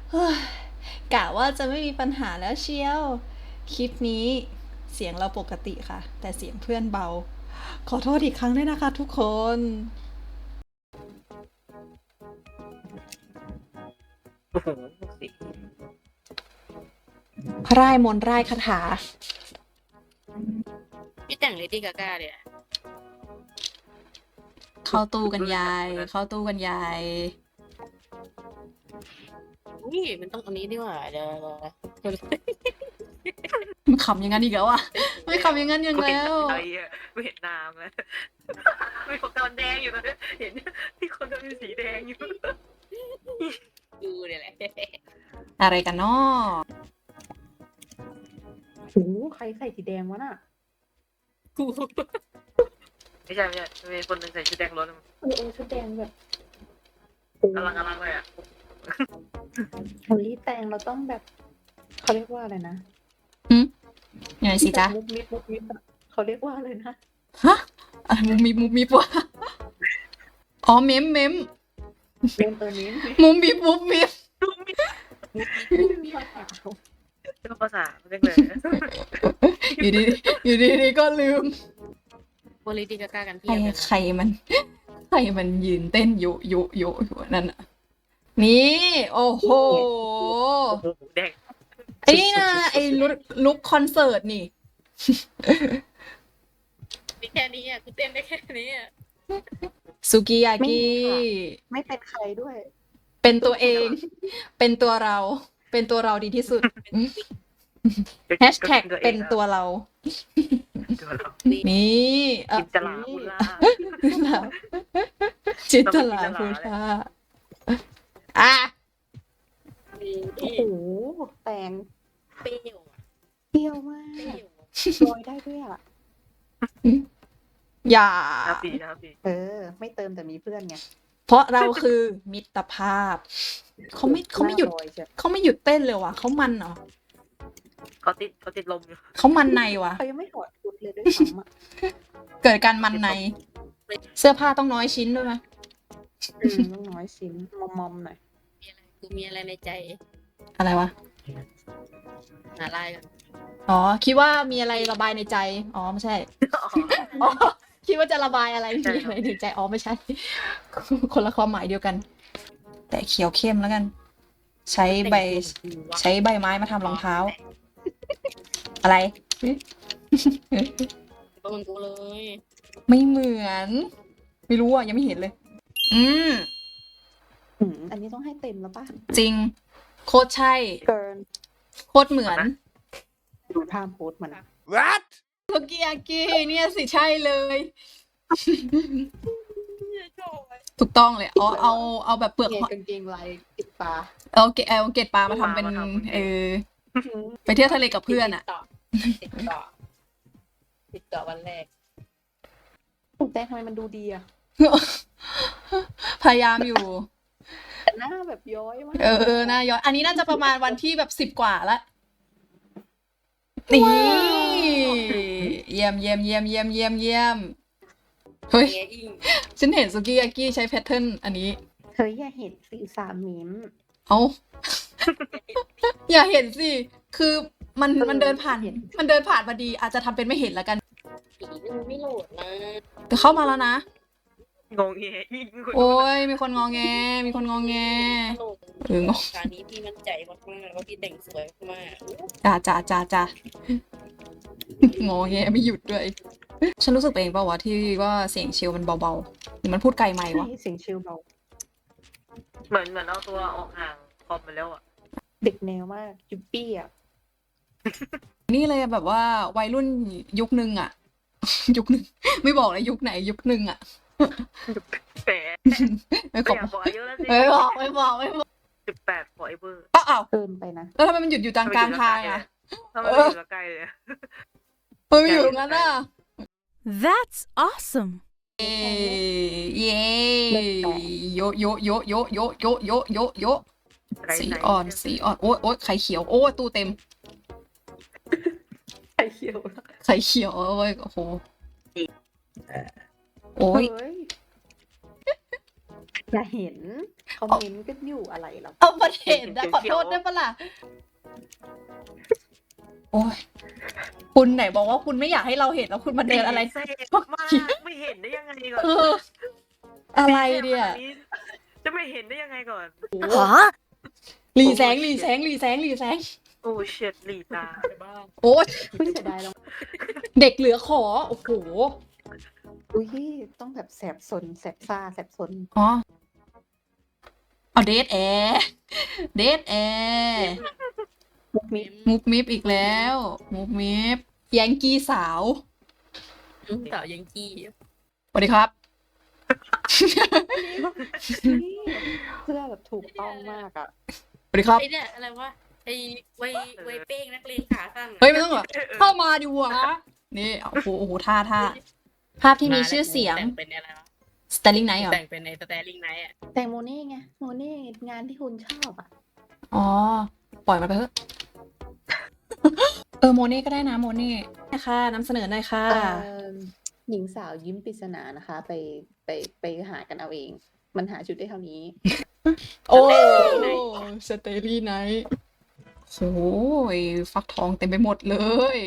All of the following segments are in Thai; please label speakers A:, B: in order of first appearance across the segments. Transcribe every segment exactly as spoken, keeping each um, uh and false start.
A: เฮ้ยกะว่าจะไม่มีปัญหาแล้วเชียว คลิปนี้เสียงเราปกติค่ะ แต่เสียงเพื่อนเบา ขอโทษอีกครั้งด้วยนะคะทุกคน
B: โอ้โหสิ
A: พร่ายมนต์ร่ายคาถา
C: พี่แต่งเลดี้กาก้าเลยอะ
A: เข้าตู้กันยาย เข้าตู้กันยาย
C: นี่มันต้องอันนี้ดีกว่าเดี๋ยวเดี๋ยว
A: มันขำอย่างนั้นอีกแล้วอ่ะ ไม่ขำอย่างนั้นอย่าง
B: กูเห็น
A: แล้ว
B: อะไรอ่ะกูเห็นน้ำแล้วมีคนตอนแดงอยู่ตอนนี้เห็นที่คนมันมีสีแดงอยู่
C: ดูเนี่ยแหละ
A: อะไรกันเนาะ
D: โอ้โหใครใส่สีแดงวะน่ะ
C: กู
B: ไม่ใช่ไม่ใช่มีคนหนึ่งใส่ชุดแดงล้วน
D: เออเออชุดแดงแบบ
B: กำลังกำลังเลยอ่ะ
D: โฮลี่แตงเราต้องแบบเขาเรียกว่าอะไรนะ
A: ยังไงสิจ๊ะ
D: มุกมิดมุกมิดอะเขาเรียกว่าอะไรนะ
A: ฮะอะไรมุมมิบมุมมิบวะอ๋อเมมเมม
D: เล่นตัวนี้
A: มุมมิบมุมมิบ
D: มีภาษา
B: เป็นภาษาเรียกเลย
A: อยู่ดีอยู่ดีดีก็ลืม
C: โบเลดี้กาก้ากัน
A: ใค
C: เพี
A: ร
C: ยบเลย
A: ใครมัน ใครมันยืนเต้นโยโยโยอยู่นั่นน่ะ นี่ โอ้โห
B: โอ้โหแดง
A: ไอ้นี่นะไอ้ลุคลุคคอนเสิร์ตนี่
C: มีแค่นี้อ่ะกูเต้นได้แค่นี้อ่ะ
A: สุกิยากิ
D: ไม่เป็นใครด้วย
A: เป็นตัวเอง เป็นตัวเรา เป็นตัวเราดีที่สุดแฮชแท็กเป็นตัวเรา
B: ตัวเรา
A: นี่เออ
B: จินตลาบุล่า
A: จินตลาพูดาอ่ะ
C: มี
D: โอ้โหแตง
C: เปรี้ยวอะ
D: เปรี้ยวมา
C: เปรี้
D: ก
C: ยว
D: ลอยได้ด้วยอ่ะ
A: อย่า
B: ห้าปีห้าปี
D: เออ ไม่เติมแต่มีเพื่อนไง
A: เพราะเราคือมิตรภาพ เขาไม่เขาไม่หยุด
D: น้ลอเชีว
A: เขาไม่หยุดเต้นเลยว่ะเขามันเหรอ
B: เขาติดเขาติดลมอยู่
A: เขามันในว่ะ
D: เขายังไม่ถอดชุดเลยด้วยซ้ำอ่ะ
A: เกิดการมันใน เสื้อผ้าต้องน้อยชิ้นด้วยไหม
D: อืมต้องน้อยชิ้นมอมมอมๆหน่อย
C: มีอะไรกูมีอะไรในใจ
A: อะไรวะ
C: หาลายกัน
A: อ๋อ คิดว่ามีอะไรระบายในใจ อ๋อ ไม่ใช่ อ๋อ คิดว่าจะระบายอะไร
B: ใช่
A: มีอะไรในใจ อ๋อ ไม่ใช่ คนละความหมายเดียวกัน แต่เขียวเข้มแล้วกัน ใช้ใบ ใช้ใบไม้มาทำรองเท้า อะไร
C: ต้นกูเลย
A: ไม่เหมือน ไม่รู้อ่ะ ยังไม่เห็นเลย อืม
D: อืมอันนี้ต้องให้เต็มแล้วป่ะ
A: จริง โคตรใช่
D: เกิน
A: โคตรเหมือน
D: ดูท่าโพสมัน
E: What?
A: โทกิยากิเนี่ยสิใช่เลย ถูกต้องเลยอ๋อเอาเอาแบบเปลือก
D: เกง
A: หอย
D: กางเกงลายติดปลา
A: เอาเกเอาเกล็ดปลามาทำเป็น เออ ไปเที่ยวทะเลกับเพื่อนอ่ะ
C: ติดต่อติดต่อวันแรก
D: ถูกแต่ทำไมมันดูดีอะ
A: พยายามอยู่
D: แต่หน้าแบบย้อยมาก
A: เออเออน่าย้อนอันนี้น่าจะประมาณวันที่แบบสิบกว่าละนี่เยี่ยมเยี่ยมเยี่ยมเยี่ยมเยี่ยมเยี่ยมเฮ้ย
C: เงี้ยอิง
A: ฉันเห็นสุกิยากิใช้แพทเทิร์นอันนี้
D: เฮ้ยอย่าเห็นสีสามมิม
A: เอา อย่าเห็นสิ คือมัน
D: เออ
A: มันเดินผ่าน
D: เห็น
A: มันเดินผ่านพอดี อาจจะทำเป็นไม่เห็นแล้วกัน
C: ผีมันไม่โหลดนะ
A: แต่เข้ามาแล้วนะ
B: งงเงี้ยยิ่ง
A: โอ้ยมีคนงอแง มีคนงอแง
C: โหลด
A: เอองง
C: การนี้พี่มั่นใจมากๆว่าพี่แต่งสวยมาก
A: จ้าจ้าจ้าจ้า งอแงไม่หยุดด้วย ฉันรู้สึกไปเองเปล่าวะที่ว่าเสียงเชลมันเบาๆหรือมันพูดไกลไหมค์วะ
D: ใช่เสียงชิลเบา
B: เหมือนเหมือนเอาตัวออกห่างคอมไปแล้วอ่ะ
D: เด็กแนวมากจุ๊บปี้อะ
A: นี่เลยแบบว่าวัยรุ่นยุคนึงอะ ยุคนึง ไม่บอกเลยยุคไหนยุคนึงอะ
B: แหม
A: ไม่ข
B: ไม่
A: อ
B: อยากบอกอายุแล้วสิ
A: ไม่บอกไม่บอกไม่บอก
B: สิบแปด forever
A: อ้าวอ้าว
D: เกินไปนะ
A: แล้วทำไมมันหยุดอยู่กลางกลางทางอะ
B: ถ้ามันอยู่ใกล้เลย
A: เฮ้ยอยู่ตรงนั้นอะ
E: That's awesome.
A: เย้เย้โยโยโยโยโยโยโยโยโยสีอ่อนสีอ่อนโอ้ยโอ้ยไข่เขียวโอ้ยตู้เต็ม
D: ไข่เขียว
A: ไข่เขียวโอ้ยโอ้โหโอ้ย
D: เฮ้ยอย่าเห็นคอมเมนต์ก็อยู่อะไรหรอก
A: เอามาเห็นนะขอโทษได้ปะล่ะ โอ้ยคุณไหนบอกว่าคุณไม่อยากให้เราเห็นแล้วคุณมาเดินอะไร
B: เซ่มากไม่เห็นได้ยังไงก่อน
A: เออ อะไรเนี่ย
B: จะไม่เห็นได้ยังไงก่อน
E: Huh?
A: หลีแสงหลีแสงหลีแสงหลีแสง
B: โอ้เฉียดหลีตา
C: ไปบ้าง
A: โอ้ย
D: ไม่เสียดายแล้ว
A: เด็กเหลือขอ โอ้โห
D: อุ้ยต้องแบบแสบสนแสบซ่าแสบสน
A: อ๋อ เอาเดทแอร์เดทแอร์
D: มุกมิด
A: มุกมิฟอีกแล้ว มุกมิฟแยงกี้สาว
C: สาวยังกี้
A: สวัสดีครับ
D: เสื้อแบบถูกต้องมากอ่ะ
A: สวัสดีครับ
C: ไอเนี่ยอะไรวะไอไวไวเป้งนักเลงขาสั้นอะ
A: เฮ้ยไม่ต้องหรอเข้ามาดิวะนี่โอ้โหโอ้โหท่าท่าภาพที่มีชื่อเสียง
C: แต่งเป็นอะไรวะ
A: Sterling Night เหรอ
C: แต่งเป็นในสแตลลิงไนท์อ่ะ
D: แต่โมเน่ไงโมเน่งานที่คุณชอบอ่ะ
A: อ๋อ ปล่อยมันไปเถอะ เออโมเน่ก็ได้นะโมเน่นะคะนำเสนอหน่อยค่ะ
D: เอิ่มหญิงสาวยิ้มปริศนานะคะ ไปไปไปหากันเอาเอง มันหาชุดได้เท่านี้
A: โอ้สเตอรี่ไนท์โอ้ยฟักทองเต็มไปหมดเลย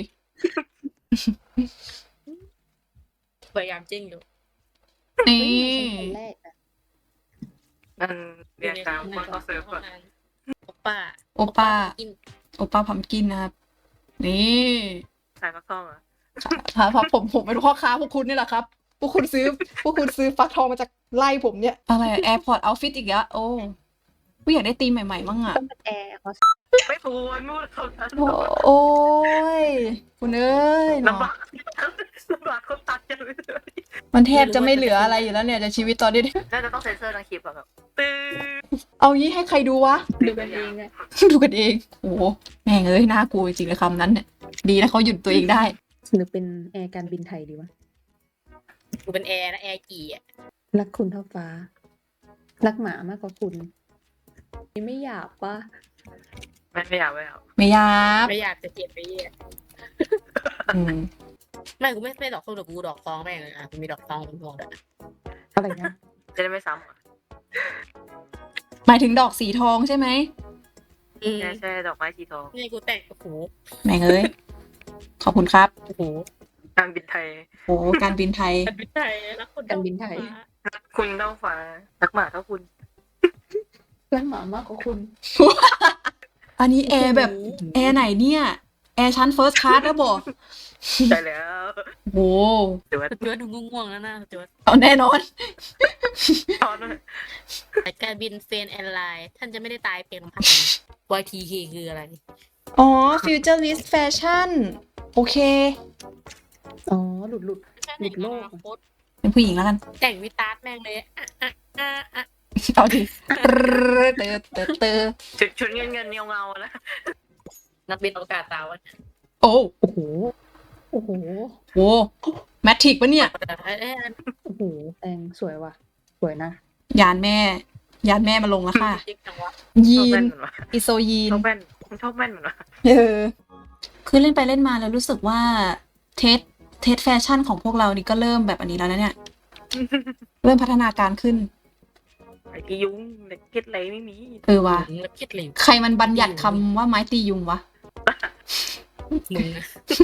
C: พยายามจิ้งอยู่
A: นี่
D: เฮ้ยมาฉันคนแรกอะ
B: มันเรียนตามคนเขาเสิร์ฟก่อน
C: โอป้า
A: โอป้า
C: กิน
A: โอป้าพัมกินนะครับ นี่
B: ขายฟักทองเหรอ
A: ค่ะเพราะผมผมเป็นพ่อค้าพวกคุณนี่แหละครับ พวกคุณซื้อ พวกคุณซื้อฟักทองมาจากไล่ผมเนี่ย อะไรแอร์พอร์ตเอาฟิตอีกแล้วโอ้กูอยากได้ธีมใหม่ๆมั่งอ่ะ
D: ต้องเป็นแอร์เขา
B: ไม่พูดพูดเขานั้น
A: โอ้โอ้ยคุณเอ้ยเนาะ
B: ลำบากลำบากคนตัดกันเลย
A: มันแทบจะไม่เหลืออะไรอยู่แล้วเนี่ยจะชีวิตตอนนี้
B: น่าจะต้องเซ็นเซอร์ทั้งคลิปอะแบบตื้อ
A: เอางี้ให้ใครดูวะ
D: ดูกันเองอะ
A: ดูกันเอง โอ้โหแม่งเอ้ยน่ากลัวจริงๆเลยคำนั้นเนี่ย ดีนะเขาหยุดตัวเองได้
D: หรือเป็นแอร์การบินไทยดีวะ
C: กูเป็นแอร์นะแอร์กี่อ่ะ
D: รักคุณเท่าฟ้า รักหมามากกว่าคุณนี่ไม่หยาบปะ
B: ไม่ไม่อยากไม่อยาก
A: ไม่ยับ
C: ไม่อยากจะเกลียดไปเหี้ย
A: อืม
C: ไม่กูไม่ไม่ดอกส้มแต่กูดอกฟองแม่งเลยอ่ะกูมีดอกฟองเป็นพวงด้วย
D: อะไรนะ
B: จะได้ไม่ซ้ำอะ
A: หมายถึงดอกสีทองใช่ไหม
C: อืม
B: ใช่ใช่ดอกไม้สีทอง
C: นี่กูแต่งโอ้โห
A: แม่งเอ้ย ขอบคุณครับ
C: โอ้โห
B: การบินไทย
A: โอ้การบินไทย
C: การบินไทยรักคน
D: การบินไทย
B: รักคุณเท่าฟ้ารักหมาเท่าคุณ
D: รักหมามากกว่าคุณ
A: อันนี้แอร์แบบ แอร์ไหนเนี่ย แอร์ชั้นเฟิร์สคลาสแล้วบอก
B: ใช่แล้ว
A: โอ้
B: เดี๋ยว
C: สจวดดูง่วงๆแล้วนะสจวด
A: เอาแน่นอน
B: ตอนนั้น
C: แต่การบินเฟนแอนไลน์ท่านจะไม่ได้ตายเพียงลำพัง วาย ที เค คืออะไร
A: อ๋อ futurist fashion โอเค
D: อ๋อ หลุดหลุด หลุดโลก
C: โคตร
A: เป็นผู้หญิงแล้วกัน
C: แต่งวิตาร์ดแม่งเลยอ่ะอ่ะอ่ะอ่ะ
A: เอาดิเตอเตอเตอ
B: ชุดชุดเงินเงินเงาเงาๆแล้ว
C: นักบินอวกาศตาวัน
A: โอ้
D: โอ้โห โอ้โห
A: โหแมทริกปะเนี่ย
C: เอ้ยเอ้ย
D: โอ้โห แตงสวยว่ะ สวยนะ
A: ยานแม่ ยานแม่มาลงแล้วค่ะ
C: จิ๊กจังวะ
A: ยี
B: ชอบแว่
A: น
B: นเหมือนวะ
A: อิโซยีน
B: ชอบแว่นผมชอบแว่นเหมือนวะ
A: เออ คือเล่นไปเล่นมาแล้วรู้สึกว่าเทสเทสแฟชั่นของพวกเรานี่ก็เริ่มแบบอันนี้แล้วนะเนี่ย เริ่มพัฒนาการขึ้น
B: ไอ้ที่ยุ้งเด็กเก็ตอะไรไม่มี
A: เออว่ะ
C: มึงแล้วคิดเลย
A: ใครมันบัญญัติคำว่าไม้ตียุงวะ
C: มึงนะ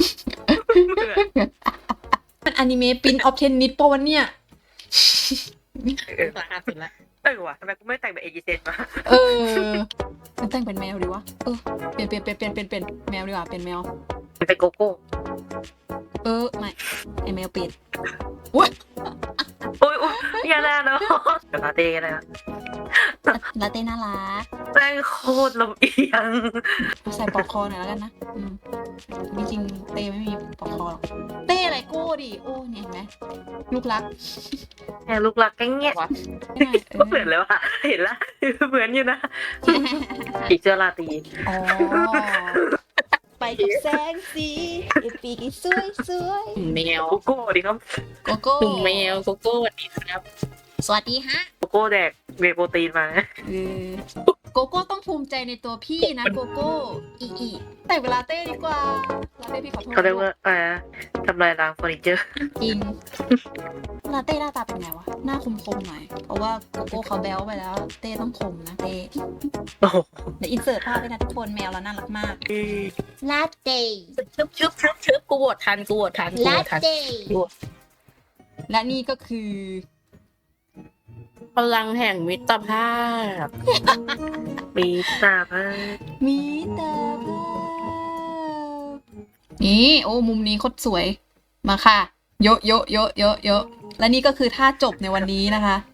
A: มันอนิเมะปินออฟเทนนิสปะวันเนี่ย
B: เออ
C: ราคาสุดละ
B: เออว่ะทำไมกูไม่แต่งแบบเอจิเซนมา
A: เออมันแต่งเป็นแมวดีวะ เออ เปลี่ยนเปลี่ยนเปลี่ยนเปลี่ยนเปลี่ยนเปลี่ยนแมวดีกว่าเป็นแมว
B: เป็นโกโก้
A: เออ ไม่ไอแมวเปลี่ยนอุ้ย
B: โอ้ยโอ้ยอย่าแน่เนาะเดี๋ยวลาเต้กันนะ
A: ลาเต้น่ารัก
B: แม่งโคตรลำเอียง
A: ใส่ปลอกคอหน่อยแล้วกันนะ อืมจริงๆเต้ไม่มีปลอกคอหรอก เต้อะไรโก้ดิ โอ้เนี่ยเห็นไหมลูกรัก
B: แม่ลูกหลักแกงเงี้ย
A: ไม่ได้เอ
B: ก็
A: อ
B: เหมือนเลยว่ะเห็นละเหมือนอยู่นะอีกเจอลาตี
A: อ๋อ ไปกับแสงสีไอปีกสวยสวย
C: แมว
B: โกโก้ดิครับ
A: โกโก้
C: กลุ่มแมวโกโก้สวัสดีครับ
A: สวัสดีฮะ
B: โกโก้แดกเวย์โปรตีนมานะ
A: เออโกโก้ต้องภูมิใจในตัวพี่นะโกโก้อีอีแต่เวลาเต้ดีกว่าลาเต้พี่ขอโทษ
B: เขาเรียกว่าอะไรนะทำลายล้างเฟอร์นิเจอร์
A: จริงลาเต้หน้าตาเป็นไงวะหน้าคมๆหน่อยเพราะว่าโกโก้เขาแบ๊วไปแล้ว เต้ต้องคมนะเต้
B: โอ้โห
A: เดี๋ยวอินเสิร์ตภาพด้วยนะทุกคนแมวเราน่ารักมากลาเต้
C: ชึบชึบชึบชึบกูโหวตทันกูโหวตทันกูโห
A: ลาว
C: ตทัน
A: เต้
C: กูโหวต
A: และนี่ก็คือ
C: พลังแห่งมิตรภาพ
B: มีตาบ้า
A: มิตรภาพนี่โอ้มุมนี้โคตรสวยมาค่ะ โยะโยะโยะโยะโยะและนี่ก็คือท่าจบในวันนี้นะคะ